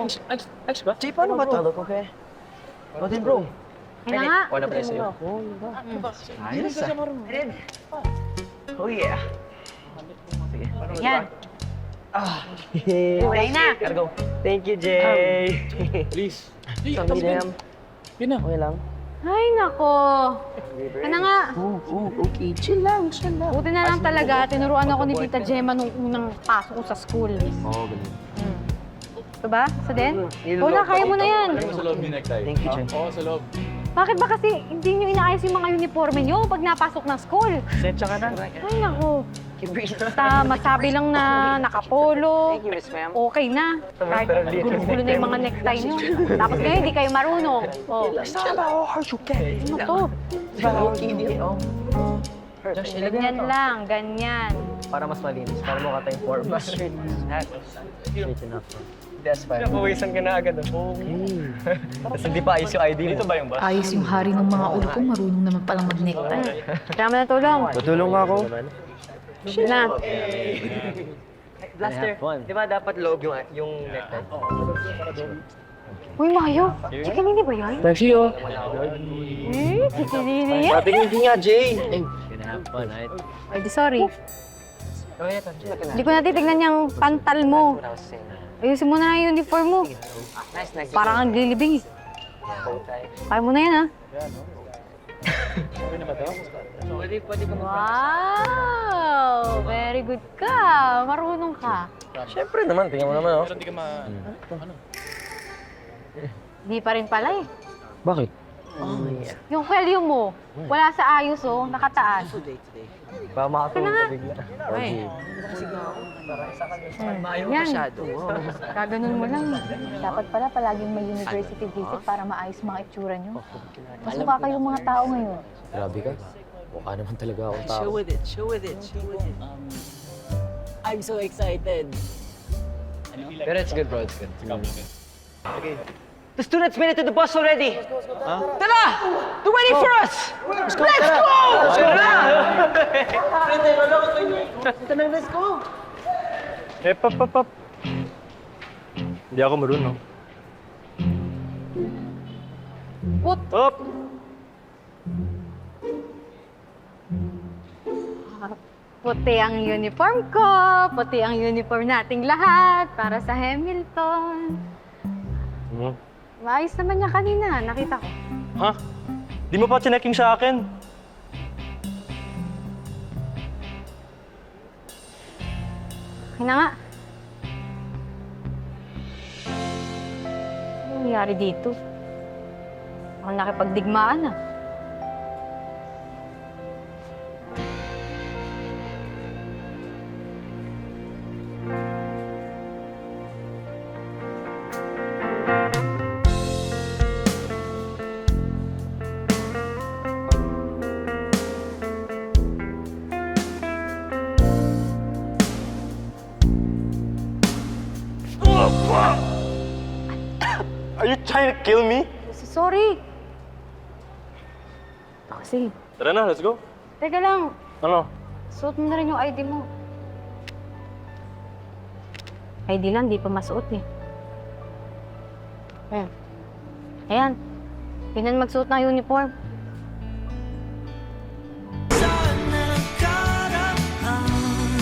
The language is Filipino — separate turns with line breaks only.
Ayos ba?
Jay, paano ba to? Okay. O din, bro.
Kaya nga.
Wala pa rin sa'yo.
Ayos ah. Oh yeah. Sige.
Yan.
Kulay
na.
Gotta go. Thank you, Jay.
Please.
Isang medium.
Yun na.
Okay lang.
Ay, nako. Ano nga?
Okay. Chill lang.
Buti na lang talaga. Tinuruan ako ni Tita Gemma nung unang pasok ko sa school.
Oo, ganun.
Ito ba? Sa din? Wala, kaya mo na yan.
Sa loob yung necktie.
Thank you, Jay.
Oo, sa loob.
Bakit ba kasi hindi nyo inaayos yung mga uniforme nyo pag napasok ng school?
Setsa ka na.
Ay, nako. Basta masabi lang na nakapolo.
Thank you, Miss Ma'am.
Okay na. Kahit gulo-gulo na yung mga necktie nyo. Tapos ngayon, hindi kayo marunong. Oh.
It's not about how hard you get.
Ano to?
It's about how easy it is.
Josh,
Ganyan lang, ganyan.
Para mas malinis. Para mukha tayong forma. Straight enough. That's fine. Napawisan ka na agad. Okay. Tapos hindi pa ayos yung ID mo. Dito ba yung bus?
Ayos yung hari ng mga ulo ko, marunong naman palang mag-necktie.
Kaya mo na tulong.
Tutulong nga ako.
Na.
Blaster, di ba dapat loob yung necktie?
Uy, Mayo. Chikinini ba yan?
Pepsi, oh.
Chikinini yan?
Sabi hindi nga, Jay.
Ay, di sorry. Hindi ko natitignan yung pantal mo. Ayusin mo na yung uniform mo. Parang ang lilibing eh. Kaya mo na yan, ha?
Pwede ka
Wow! Very good ka. Marunong ka.
Siyempre naman, tingnan mo naman, oh.
Pero hindi ka ano?
Di pa rin pala eh.
Bakit?
Yung value mo, wala sa ayos oh, nakataas.
Baka makatulog ka bigla.
Ay. Yan. Kaganon mo lang. Dapat pala palaging may university visit para maayos mga itsura nyo. Mas mukha kayong mga tao ngayon.
Grabe ka. Mukha naman talaga akong tao.
Show with it. I'm so excited.
Pero it's good, bro. It's good. Okay. The students made it to the bus already. Tara! They're waiting for us! Let's go! Let's go!
Pap. Hindi ako marunong.
What?
Up!
Puti ang uniform ko, puti ang uniform nating lahat para sa Hamilton. Maayos naman niya kanina, nakita ko.
Ha? Di mo pa chinecking sa akin?
Kaya na nga. Ano nangyari dito? Ang nakipagdigmaan ah.
Are you trying to kill me?
Sorry. Kasi,
Tara na, let's go.
teka lang.
Ano?
Suot mo na rin yung ID mo. ID lang, di pa masuot eh. Ayan. Ayan. Ganyan magsuot ng uniform.